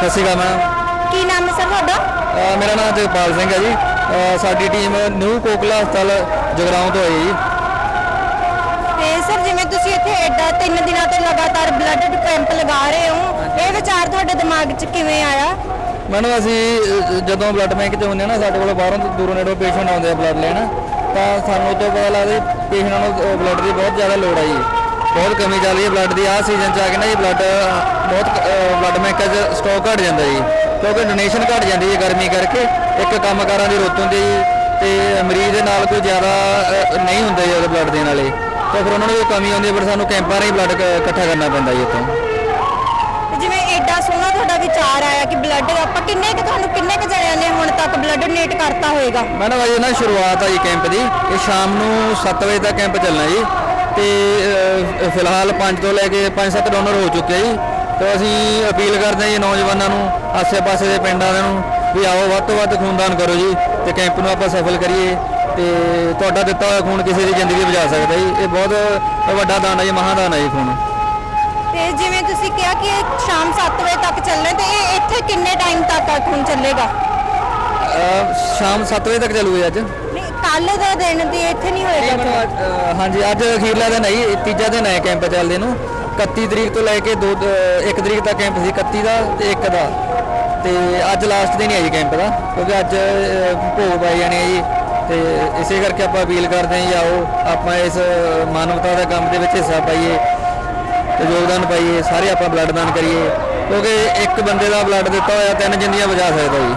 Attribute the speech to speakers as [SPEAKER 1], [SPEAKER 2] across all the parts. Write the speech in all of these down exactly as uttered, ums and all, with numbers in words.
[SPEAKER 1] ਸਤਿ ਸ਼੍ਰੀ ਅਕਾਲ ਮੈਮ।
[SPEAKER 2] ਕੀ ਨਾਮ ਹੈ ਸਰ ਤੁਹਾਡਾ?
[SPEAKER 1] ਅ, ਮੇਰਾ ਨਾਮ ਜਗਪਾਲ ਸਿੰਘ ਹੈ ਜੀ। ਅ, ਸਾਡੀ ਟੀਮ ਨਿਊ ਕੋਕਲਾ ਹਸਪਤਾਲ ਜਗਰਾਉਂ ਤੋਂ ਆਈ ਜੀ।
[SPEAKER 2] ਤੇ ਸਰ ਜਿਵੇਂ ਤੁਸੀਂ ਇੱਥੇ ਐਡਾ ਤਿੰਨ ਦਿਨਾਂ ਤੋਂ ਲਗਾਤਾਰ ਬਲੱਡ ਕੈਂਪ ਲਗਾ ਰਹੇ ਹੋ, ਇਹ ਵਿਚਾਰ ਤੁਹਾਡੇ ਦਿਮਾਗ 'ਚ ਕਿਵੇਂ ਆਇਆ?
[SPEAKER 1] ਮੈਨੂੰ ਅਸੀਂ ਅ, ਜਦੋਂ ਬਲੱਡ ਬੈਂਕ 'ਚ ਹੁੰਦੇ ਆ ਨਾ, ਸਾਡੇ ਕੋਲ ਬਾਹਰੋਂ ਦੂਰੋਂ ਨੇੜੋਂ ਪੇਸ਼ੈਂਟ ਆਉਂਦੇ ਆ ਬਲੱਡ ਲੈਣ, ਤਾਂ ਸਾਨੂੰ ਤੋਂ ਪਤਾ ਲੱਗਦਾ ਪੇਸ਼ੈਂਟਾਂ ਨੂੰ ਬਲੱਡ ਦੀ ਬਹੁਤ ਜ਼ਿਆਦਾ ਲੋੜ ਆ ਜੀ। ਬਹੁਤ ਕਮੀ ਚੱਲ ਰਹੀ ਹੈ ਬਲੱਡ ਦੀ। ਆਹ ਸੀਜ਼ਨ 'ਚ ਆ ਕੇ ਨਾ ਜੀ ਬਲੱਡ ਬਹੁਤ ਬਲੱਡ ਬੈਂਕਾਂ 'ਚ ਸਟਾਕ ਘਟ ਜਾਂਦਾ ਜੀ, ਕਿਉਂਕਿ ਡੋਨੇਸ਼ਨ ਘਟ ਜਾਂਦੀ ਹੈ ਗਰਮੀ ਕਰਕੇ। ਇੱਕ ਕੰਮਕਾਰਾਂ ਦੀ ਰੁੱਤ ਹੁੰਦੀ ਜੀ, ਤੇ ਮਰੀਜ਼ ਦੇ ਨਾਲ ਕੋਈ ਜ਼ਿਆਦਾ ਅ, ਨਹੀਂ ਹੁੰਦੇ ਜੀ ਬਲੱਡ ਦੇਣ ਵਾਲੇ, ਤਾਂ ਫਿਰ ਉਹਨਾਂ ਨੂੰ ਕੋਈ ਕਮੀ ਆਉਂਦੀ ਹੈ, ਪਰ ਸਾਨੂੰ ਕੈਂਪਾਂ ਰਾਹੀਂ ਬਲੱਡ ਇਕੱਠਾ ਕਰਨਾ ਪੈਂਦਾ ਜੀ ਇੱਥੋਂ।
[SPEAKER 2] ਜਿਵੇਂ ਐਡਾ ਸੋਹਣਾ ਤੁਹਾਡਾ ਵਿਚਾਰ ਆਇਆ ਕਿ ਬਲੱਡ ਆਪਾਂ ਕਿੰਨੇ ਕੁ ਤੁਹਾਨੂੰ ਕਿੰਨੇ ਕੁ ਜਣਿਆਂ ਨੇ ਹੁਣ ਤੱਕ ਬਲੱਡ ਡੋਨੇਟ ਕਰਤਾ ਹੋਏਗਾ?
[SPEAKER 1] ਮੈਡਮ ਅਜੇ ਨਾ ਸ਼ੁਰੂਆਤ ਆ ਜੀ ਕੈਂਪ ਦੀ। ਇਹ ਸ਼ਾਮ ਨੂੰ ਸੱਤ ਵਜੇ ਤੱਕ ਕੈਂਪ ਚੱਲਣਾ ਜੀ, ਤੇ ਅ, ਫਿਲਹਾਲ ਪੰਜ ਤੋਂ ਲੈ ਕੇ ਪੰਜ ਸੱਤ ਡੋਨਰ ਹੋ ਚੁੱਕੇ ਜੀ। ਤੇ ਅਸੀਂ ਅਪੀਲ ਕਰਦੇ ਹਾਂ ਜੀ ਨੌਜਵਾਨਾਂ ਨੂੰ, ਆਸੇ-ਪਾਸੇ ਦੇ ਪਿੰਡਾਂ ਨੂੰ ਵੀ ਆਓ, ਵੱਧ ਤੋਂ ਵੱਧ ਖੂਨਦਾਨ ਕਰੋ ਜੀ, ਤੇ ਕੈਂਪ ਨੂੰ ਆਪਾਂ ਸਫਲ ਕਰੀਏ। ਤੇ ਤੁਹਾਡਾ ਦਿੱਤਾ ਹੋਇਆ ਖੂਨ ਕਿਸੇ ਦੀ ਜ਼ਿੰਦਗੀ ਬਚਾ ਸਕਦਾ ਜੀ। ਇਹ ਬਹੁਤ ਵੱਡਾ ਦਾਨ ਹੈ ਜੀ, ਮਹਾਦਾਨ ਹੈ ਜੀ ਖੂਨ।
[SPEAKER 2] ਤੇ ਜਿਵੇਂ ਤੁਸੀਂ ਕਿਹਾ ਕਿ ਇਹ ਸ਼ਾਮ ਸੱਤ ਵਜੇ ਤੱਕ ਚੱਲਣਾ, ਤੇ ਇਹ ਇੱਥੇ ਕਿੰਨੇ ਟਾਈਮ ਤੱਕ ਖੂਨ ਚੱਲੇਗਾ?
[SPEAKER 1] ਅ, ਸ਼ਾਮ ਸੱਤ ਵਜੇ ਤੱਕ ਚੱਲੂਗਾ ਅੱਜ।
[SPEAKER 2] ਨਹੀਂ, ਕੱਲ ਦਾ ਦਿਨ ਦੀ ਇੱਥੇ ਨਹੀਂ ਹੋਏਗਾ?
[SPEAKER 1] ਅ, ਹਾਂਜੀ, ਅੱਜ ਅਖੀਰਲਾ ਦਿਨ ਹੈ ਜੀ, ਤੀਜਾ ਦਿਨ ਹੈ ਕੈਂਪ ਚੱਲਦੇ ਨੂੰ। ਇਕੱਤੀ ਤਰੀਕ ਤੋਂ ਲੈ ਕੇ ਦੋ ਇੱਕ ਤਰੀਕ ਤੱਕ ਕੈਂਪ ਸੀ, ਇਕੱਤੀ ਦਾ ਤੇ ਇੱਕ ਦਾ, ਤੇ ਅੱਜ ਲਾਸਟ ਦਿਨ ਹੀ ਹੈ ਜੀ ਕੈਂਪ ਦਾ, ਕਿਉਂਕਿ ਅੱਜ ਅ, ਭੋਗ ਪਾਏ ਜਾਣੇ ਆ ਜੀ। ਤੇ ਇਸੇ ਕਰਕੇ ਆਪਾਂ ਅਪੀਲ ਕਰਦੇ ਹਾਂ ਜੀ, ਆਓ ਆਪਾਂ ਇਸ ਮਾਨਵਤਾ ਦੇ ਕੰਮ ਦੇ ਵਿੱਚ ਹਿੱਸਾ ਪਾਈਏ ਤੇ ਯੋਗਦਾਨ ਪਾਈਏ। ਸਾਰੇ ਆਪਾਂ ਬਲੱਡ ਦਾਨ ਕਰੀਏ, ਕਿਉਂਕਿ ਇੱਕ ਬੰਦੇ ਦਾ ਬਲੱਡ ਦਿੱਤਾ ਹੋਇਆ ਤਿੰਨ ਜ਼ਿੰਦਗੀਆਂ ਬਚਾ ਸਕਦਾ ਜੀ।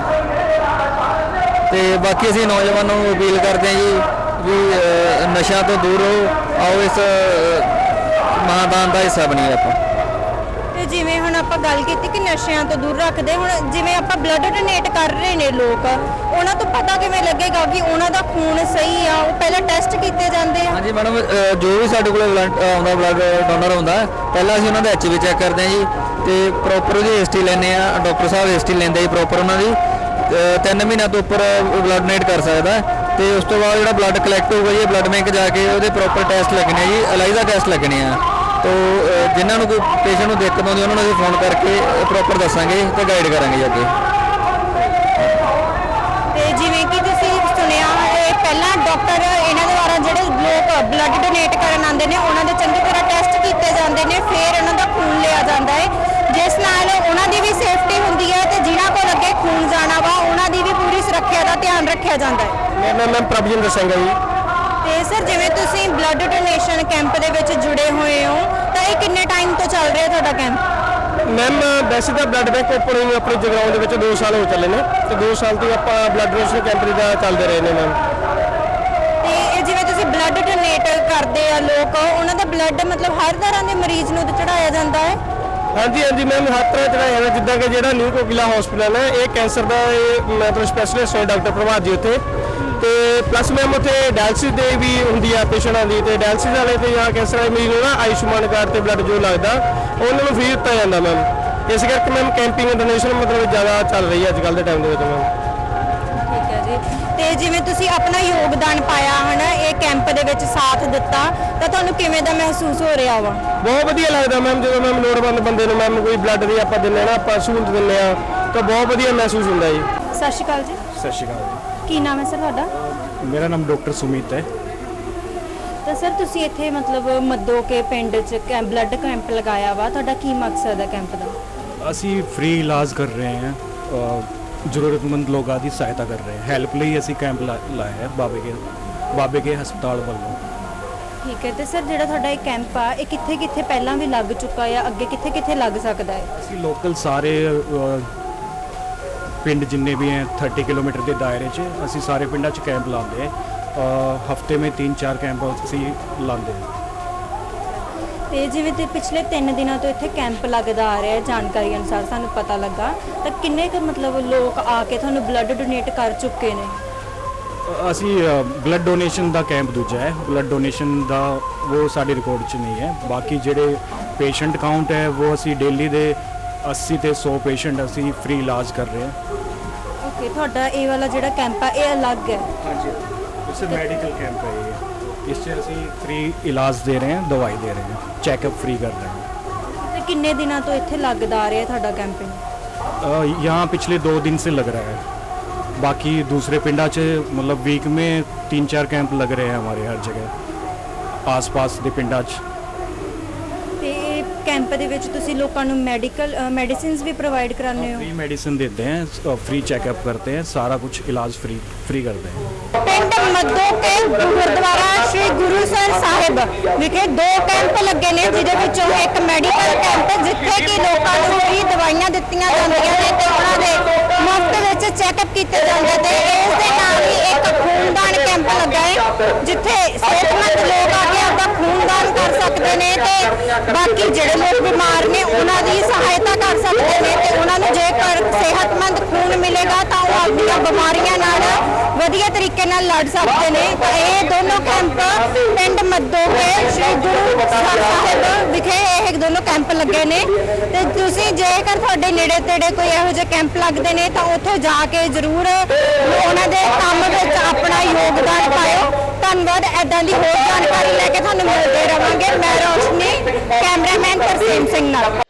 [SPEAKER 1] ਤੇ ਬਾਕੀ ਅਸੀਂ ਨੌਜਵਾਨਾਂ ਨੂੰ ਅਪੀਲ ਕਰਦੇ ਹਾਂ ਜੀ ਵੀ ਅ, ਨਸ਼ਿਆਂ ਤੋਂ ਦੂਰ ਰਹੋ, ਆਓ ਇਸ ਮਹਾਦਾਨ ਦਾ ਹਿੱਸਾ ਬਣੀਏ ਆਪਾਂ।
[SPEAKER 2] ਤੇ ਜਿਵੇਂ ਹੁਣ ਆਪਾਂ ਗੱਲ ਕੀਤੀ ਕਿ ਨਸ਼ਿਆਂ ਤੋਂ ਦੂਰ ਰੱਖਦੇ, ਹੁਣ ਜਿਵੇਂ ਆਪਾਂ ਬਲੱਡ ਡੋਨੇਟ ਕਰ ਰਹੇ ਨੇ ਲੋਕ, ਉਹਨਾਂ ਤੋਂ ਪਤਾ ਕਿਵੇਂ ਲੱਗੇਗਾ ਕਿ ਉਹਨਾਂ ਦਾ ਖੂਨ ਸਹੀ ਆ? ਉਹ ਪਹਿਲਾਂ ਟੈਸਟ ਕੀਤੇ ਜਾਂਦੇ ਆ?
[SPEAKER 1] ਹਾਂਜੀ ਮੈਡਮ, ਅ, ਜੋ ਵੀ ਸਾਡੇ ਕੋਲ ਬਲੱਡ ਆਉਂਦਾ, ਬਲੱਡ ਡੋਨਰ ਆਉਂਦਾ, ਪਹਿਲਾਂ ਅਸੀਂ ਉਹਨਾਂ ਦਾ ਐਚ ਬੀ ਚੈੱਕ ਕਰਦੇ ਹਾਂ ਜੀ, ਤੇ ਪ੍ਰੋਪਰ ਉਹਦੀ ਹਿਸਟਰੀ ਲੈਂਦੇ ਆ। ਡਾਕਟਰ ਸਾਹਿਬ ਹਿਸਟਰੀ ਲੈਂਦੇ ਜੀ ਪ੍ਰੋਪਰ ਉਹਨਾਂ ਦੀ। ਤਿੰਨ ਮਹੀਨਿਆਂ ਤੋਂ ਉੱਪਰ ਬਲੱਡ ਡੋਨੇਟ ਕਰ ਸਕਦਾ, ਤੇ ਉਸ ਤੋਂ ਬਾਅਦ ਜਿਹੜਾ ਬਲੱਡ ਕਲੈਕਟ ਹੋਊਗਾ ਜੀ ਬਲੱਡ ਬੈਂਕ ਜਾ ਕੇ ਉਹਦੇ ਪ੍ਰੋਪਰ ਟੈਸਟ ਲੱਗਣੇ ਆ ਜੀ, ਅਲਾਈਜ਼ਾ ਟੈਸਟ ਲੱਗਣੇ ਆ। ਤੋ ਜਿਨ੍ਹਾਂ ਨੂੰ ਕੋਈ ਪੇਸ਼ੈਂਟ ਨੂੰ ਦਿੱਕਤ ਆਉਂਦੀ ਉਹਨਾਂ ਨੂੰ ਅਸੀਂ ਫੋਨ ਕਰਕੇ ਪ੍ਰੋਪਰ ਦੱਸਾਂਗੇ ਤੇ ਗਾਈਡ ਕਰਾਂਗੇ ਜੀ ਅੱਗੇ।
[SPEAKER 2] ਤੇ ਜਿਵੇਂ ਕਿ ਤੁਸੀਂ ਸੁਣਿਆ, ਇਹ ਪਹਿਲਾਂ ਡਾਕਟਰ ਇਹਨਾਂ ਦੇ ਦੁਆਰਾ ਜਿਹੜੇ ਲੋਕ ਬਲੱਡ ਡੋਨੇਟ ਕਰਨ ਆਉਂਦੇ ਨੇ ਉਹਨਾਂ ਦੇ ਚੰਗੀ ਤਰ੍ਹਾਂ ਟੈਸਟ ਕੀਤੇ ਜਾਂਦੇ ਨੇ, ਫਿਰ ਉਹਨਾਂ ਦਾ ਖੂਨ ਲਿਆ ਜਾਂਦਾ ਹੈ, ਜਿਸ ਨਾਲ ਉਹਨਾਂ ਦੀ ਵੀ ਸੇਫਟੀ ਹੁੰਦੀ ਹੈ ਤੇ ਜਿਨ੍ਹਾਂ ਕੋਲ ਅੱਗੇ ਖੂਨ ਜਾਣਾ ਵਾ ਉਹਨਾਂ ਦੀ ਵੀ ਪੂਰੀ ਸੁਰੱਖਿਆ ਦਾ ਧਿਆਨ ਰੱਖਿਆ ਜਾਂਦਾ ਹੈ।
[SPEAKER 1] ਮੇਰਾ ਨਾਮ ਮੈਮ ਪ੍ਰਭਜਿੰਦਰ ਸਿੰਘ ਹੈ ਜੀ।
[SPEAKER 2] ਤੇ ਸਰ ਜਿਵੇਂ ਤੁਸੀਂ ਬਲੱਡ ਡੋਨੇਸ਼ਨ ਕੈਂਪ ਦੇ ਵਿੱਚ ਜੁੜੇ ਹੋਏ ਹੋ, ਤਾਂ ਇਹ ਕਿੰਨੇ ਟਾਈਮ ਤੋਂ ਚੱਲ ਰਿਹਾ ਤੁਹਾਡਾ ਕੈਂਪ?
[SPEAKER 1] ਮੈਮ ਵੈਸੇ ਤਾਂ ਬਲੱਡ ਬੈਂਕ ਓਪਨ ਹੋਈ ਆਪਣੇ ਜਗਰਾਉਂ ਦੇ ਵਿੱਚ ਦੋ ਸਾਲ ਹੋ ਚੱਲੇ ਨੇ, ਤੇ ਦੋ ਸਾਲ ਤੋਂ ਆਪਾਂ ਬਲੱਡ ਡੋਨੇਸ਼ਨ ਕੈਂਪ ਦਾ ਚੱਲਦੇ ਰਹੇ ਨੇ ਮੈਮ।
[SPEAKER 2] ਤੇ ਇਹ ਜਿਵੇਂ ਤੁਸੀਂ ਬਲੱਡ ਡੋਨੇਟ ਕਰਦੇ ਆ ਲੋਕ, ਉਹਨਾਂ ਦਾ ਬਲੱਡ ਮਤਲਬ ਹਰ ਤਰ੍ਹਾਂ ਦੇ ਮਰੀਜ਼ ਨੂੰ ਚੜਾਇਆ ਜਾਂਦਾ ਹੈ?
[SPEAKER 1] ਹਾਂਜੀ ਹਾਂਜੀ ਮੈਮ, ਹਰ ਤਰ੍ਹਾਂ ਚੜਾਇਆ ਜਾਂਦਾ। ਜਿੱਦਾਂ ਕਿ ਜਿਹੜਾ ਨਿਊ ਕੋਕਿਲਾ ਹਸਪੀਟਲ ਹੈ, ਇਹ ਕੈਂਸਰ ਦਾ ਇਹ ਮਤਲਬ ਸਪੈਸ਼ਲਿਸਟ ਹੈ ਡਾਕਟਰ ਪ੍ਰਭਾਤ ਜੀ ਉੱਥੇ, ਤੇ ਪਲੱਸ ਮੈਮ ਉੱਥੇ ਡਾਇਲਸਿਸ ਦੇ ਵੀ ਹੁੰਦੀ ਆ ਪੇਸ਼ੈਂਟਾਂ ਦੀ, ਤੇ ਡਾਇਲਸਿਸ ਵਾਲੇ ਤੇ ਜਾਂ ਕੈਂਸਰ ਵਾਲੇ ਮਰੀਜ਼ ਨੂੰ ਨਾ ਆਯੁਸ਼ਮਾਨ ਕਾਰਡ ਤੇ ਬਲੱਡ ਜੋ ਲੱਗਦਾ ਉਹਨਾਂ ਨੂੰ ਫ੍ਰੀ ਦਿੱਤਾ ਜਾਂਦਾ ਮੈਮ। ਇਸ ਕਰਕੇ ਮੈਮ ਕੈਂਪਿੰਗ ਡੋਨੇਸ਼ਨ ਮਤਲਬ ਜ਼ਿਆਦਾ ਚੱਲ ਰਹੀ ਹੈ ਅੱਜ ਕੱਲ੍ਹ ਦੇ ਟਾਈਮ ਦੇ ਵਿੱਚ ਮੈਮ।
[SPEAKER 2] ਠੀਕ ਹੈ ਜੀ। ਤੇ ਜਿਵੇਂ ਤੁਸੀਂ ਆਪਣਾ ਯੋਗਦਾਨ ਪਾਇਆ ਹਨਾ, ਇਹ ਕੈਂਪ ਦੇ ਵਿੱਚ ਸਾਥ ਦਿੱਤਾ, ਤਾਂ ਤੁਹਾਨੂੰ ਕਿਵੇਂ ਦਾ ਮਹਿਸੂਸ ਹੋ ਰਿਹਾ ਵਾ?
[SPEAKER 1] ਬਹੁਤ ਵਧੀਆ ਲੱਗਦਾ ਮੈਮ, ਜਦੋਂ ਮੈਮ ਲੋੜਵੰਦ ਬੰਦੇ ਨੂੰ ਮੈਮ ਕੋਈ ਬਲੱਡ ਦੀ ਆਪਾਂ ਦਿੰਦੇ ਨਾ, ਆਪਾਂ ਸਹੂਲਤ ਦਿੰਦੇ ਆ, ਤਾਂ ਬਹੁਤ ਵਧੀਆ ਮਹਿਸੂਸ ਹੁੰਦਾ ਜੀ।
[SPEAKER 2] ਸਤਿ ਸ਼੍ਰੀ ਅਕਾਲ ਜੀ।
[SPEAKER 3] ਸਤਿ ਸ਼੍ਰੀ ਅਕਾਲ ਜੀ।
[SPEAKER 2] ਕੀ ਨਾਮ ਹੈ ਸਰ ਤੁਹਾਡਾ?
[SPEAKER 3] ਮੇਰਾ ਨਾਮ ਡਾਕਟਰ ਸੁਮੀਤ ਹੈ।
[SPEAKER 2] ਤਾਂ ਸਰ ਤੁਸੀਂ ਇੱਥੇ ਮਤਲਬ ਮੱਦੋ ਕੇ ਪਿੰਡ 'ਚ ਕੈਂਪ ਬਲੱਡ ਕੈਂਪ ਲਗਾਇਆ ਵਾ, ਤੁਹਾਡਾ ਕੀ ਮਕਸਦ ਹੈ ਕੈਂਪ ਦਾ?
[SPEAKER 3] ਅਸੀਂ ਫ੍ਰੀ ਇਲਾਜ ਕਰ ਰਹੇ ਹਾਂ, ਜ਼ਰੂਰਤਮੰਦ ਲੋਕਾਂ ਦੀ ਸਹਾਇਤਾ ਕਰ ਰਹੇ ਹਾਂ। ਹੈਲਪ ਲਈ ਅਸੀਂ ਕੈਂਪ ਲਾਇਆ ਹੈ ਬਾਬੇ ਕੇ ਬਾਬੇ ਕੇ ਹਸਪਤਾਲ ਵੱਲੋਂ।
[SPEAKER 2] ਠੀਕ ਹੈ। ਤੇ ਸਰ ਜਿਹੜਾ ਤੁਹਾਡਾ ਇਹ ਕੈਂਪ ਆ, ਇਹ ਕਿੱਥੇ ਕਿੱਥੇ ਪਹਿਲਾਂ ਵੀ ਲੱਗ ਚੁੱਕਾ ਹੈ, ਅੱਗੇ ਕਿੱਥੇ ਕਿੱਥੇ ਲੱਗ ਸਕਦਾ ਹੈ?
[SPEAKER 3] ਅਸੀਂ ਲੋਕਲ ਸਾਰੇ ਅ, ਪਿੰਡ ਜਿੰਨੇ ਵੀ ਹੈ तीस ਕਿਲੋਮੀਟਰ ਦੇ ਦਾਇਰੇ 'ਚ ਅਸੀਂ ਸਾਰੇ ਪਿੰਡਾਂ 'ਚ ਕੈਂਪ ਲਾਉਂਦੇ ਹਾਂ। ਹਫਤੇ में तीन चार ਕੈਂਪ ਅਸੀਂ ਲਾਉਂਦੇ ਹਾਂ।
[SPEAKER 2] ਤੇ ਜਿਵੇਂ ਤੇ ਪਿਛਲੇ ਤਿੰਨ ਦਿਨਾਂ ਤੋਂ ਇੱਥੇ ਕੈਂਪ ਲੱਗਦਾ ਆ ਰਿਹਾ ਹੈ, ਜਾਣਕਾਰੀ ਅਨੁਸਾਰ ਸਾਨੂੰ ਪਤਾ ਲੱਗਾ, ਤਾਂ ਕਿੰਨੇ ਕੁ ਮਤਲਬ ਲੋਕ ਆ ਕੇ ਤੁਹਾਨੂੰ ਬਲੱਡ ਡੋਨੇਟ ਕਰ ਚੁੱਕੇ ਨੇ?
[SPEAKER 3] ਅਸੀਂ ਬਲੱਡ ਡੋਨੇਸ਼ਨ ਦਾ ਕੈਂਪ ਦੂਜਾ ਹੈ, ਬਲੱਡ ਡੋਨੇਸ਼ਨ ਦਾ ਉਹ ਸਾਡੇ ਰਿਕਾਰਡ 'ਚ ਨਹੀਂ ਹੈ। ਬਾਕੀ ਜਿਹੜੇ ਪੇਸ਼ੈਂਟ ਕਾਊਂਟ ਹੈ ਉਹ ਅਸੀਂ ਡੇਲੀ ਦੇ अस्सी ਤੇ सौ ਪੇਸ਼ੈਂਟ ਅਸੀਂ ਫ੍ਰੀ ਇਲਾਜ ਕਰ ਰਹੇ ਹਾਂ।
[SPEAKER 2] ਓਕੇ, ਤੁਹਾਡਾ ਇਹ ਵਾਲਾ ਜਿਹੜਾ ਕੈਂਪ ਆ ਇਹ ਅਲੱਗ ਹੈ?
[SPEAKER 3] ਹਾਂਜੀ, ਇਸ ਮੈਡੀਕਲ ਕੈਂਪ ਹੈ ਇਹ। ਇਸ 'ਚ ਅਸੀਂ ਫ੍ਰੀ ਇਲਾਜ ਦੇ ਰਹੇ ਹਾਂ, ਦਵਾਈ ਦੇ ਰਹੇ ਹਾਂ, ਚੈੱਕਅਪ ਫ੍ਰੀ ਕਰ ਰਹੇ ਹਾਂ।
[SPEAKER 2] ਤੇ ਕਿੰਨੇ ਦਿਨਾਂ ਤੋਂ ਇੱਥੇ ਲੱਗਦਾ ਆ ਰਿਹਾ ਤੁਹਾਡਾ ਕੈਂਪੇਨ?
[SPEAKER 3] अ, यहाँ पिछले दो दिन से लग रहा है। बाकी दूसरे पिंडा च मतलब वीक में तीन चार कैंप लग रहे हैं हमारे हर जगह आस पास के पिंडा च।
[SPEAKER 2] ਤੇ ਕੈਂਪ ਦੇ ਵਿੱਚ ਤੁਸੀਂ ਲੋਕਾਂ ਨੂੰ ਮੈਡੀਕਲ ਮੈਡੀਸਿਨਸ ਵੀ ਪ੍ਰੋਵਾਈਡ ਕਰਾਉਂਦੇ ਹੋ?
[SPEAKER 3] फ्री मेडिसिन देते हैं, फ्री चेकअप करते हैं, सारा कुछ इलाज फ्री फ्री करते हैं।
[SPEAKER 2] ਪਿੰਡ ਮੱਦੋ ਕੇ ਗੁਰਦੁਆਰਾ ਸ਼੍ਰੀ ਗੁਰੂਸਰ ਸਾਹਿਬ ਵਿਖੇ ਦੋ ਕੈਂਪ ਲੱਗੇ ਨੇ, ਜਿਹਦੇ ਵਿੱਚੋਂ ਇੱਕ ਮੈਡੀਕਲ ਕੈਂਪ ਜਿੱਥੇ ਕਿ ਲੋਕਾਂ ਨੂੰ ਫ੍ਰੀ ਦਵਾਈਆਂ ਦਿੱਤੀਆਂ ਜਾਂਦੀਆਂ ਨੇ ਤੇ ਉਹਨਾਂ ਦੇ ਮੁਫਤ ਵਿੱਚ ਚੈੱਕਅਪ ਕੀਤੇ ਜਾਂਦੇ ਤੇ ਇਸ ਦੇ ਨਾਲ ਹੀ ਇੱਕ ਖੂਨਦਾਨ ਕੈਂਪ ਲੱਗਾ ਹੈ ਜਿੱਥੇ ਸਿਹਤਮੰਦ ਲੋਕ ਆ ਕੇ ਆਪਦਾ ਖੂਨਦਾਨ ਕਰ ਸਕਦੇ ਨੇ ਤੇ ਬਾਕੀ ਜਿਹੜੇ ਲੋਕ ਬਿਮਾਰ ਨੇ ਉਹਨਾਂ ਦੀ ਸਹਾਇਤਾ ਕਰ ਸਕਦੇ ਨੇ ਤੇ ਉਹਨਾਂ ਨੂੰ ਜੇਕਰ ਸਿਹਤਮੰਦ ਖੂਨ ਮਿਲੇਗਾ ਤਾਂ ਉਹ ਆਪਣੀਆਂ ਬਿਮਾਰੀਆਂ ਨਾਲ ਵਧੀਆ ਤਰੀਕੇ ਨਾਲ ਲੜ ਸਕਦੇ ਨੇ। ਤਾਂ ਇਹ ਦੋਨੋਂ ਕੈਂਪ ਪਿੰਡ ਮੱਦੋਕੇ ਸ਼੍ਰੀ ਗੁਰੂ ਸਾਹਿਬ ਵਿਖੇ ਇਹ ਦੋਨੋਂ ਕੈਂਪ ਲੱਗੇ ਨੇ ਤੇ ਤੁਸੀਂ ਜੇਕਰ ਤੁਹਾਡੇ ਨੇੜੇ ਤੇੜੇ ਕੋਈ ਇਹੋ ਜਿਹੇ ਕੈਂਪ ਲੱਗਦੇ ਨੇ ਤਾਂ ਉੱਥੇ ਜਾ ਕੇ ਜ਼ਰੂਰ ਉਹਨਾਂ ਦੇ ਕੰਮ ਵਿੱਚ ਆਪਣਾ ਯੋਗਦਾਨ ਪਾਇਓ। ਧੰਨਵਾਦ। ਐਦਾਂ ਦੀ ਹੋਰ ਜਾਣਕਾਰੀ ਲੈ ਕੇ ਤੁਹਾਨੂੰ ਮਿਲਦੇ ਰਵਾਂਗੇ। ਮੈਂ ਰੋਸ਼ਨੀ, ਕੈਮਰਾਮੈਨ ਤਰਸੇਮ ਸਿੰਘ ਨਾਲ।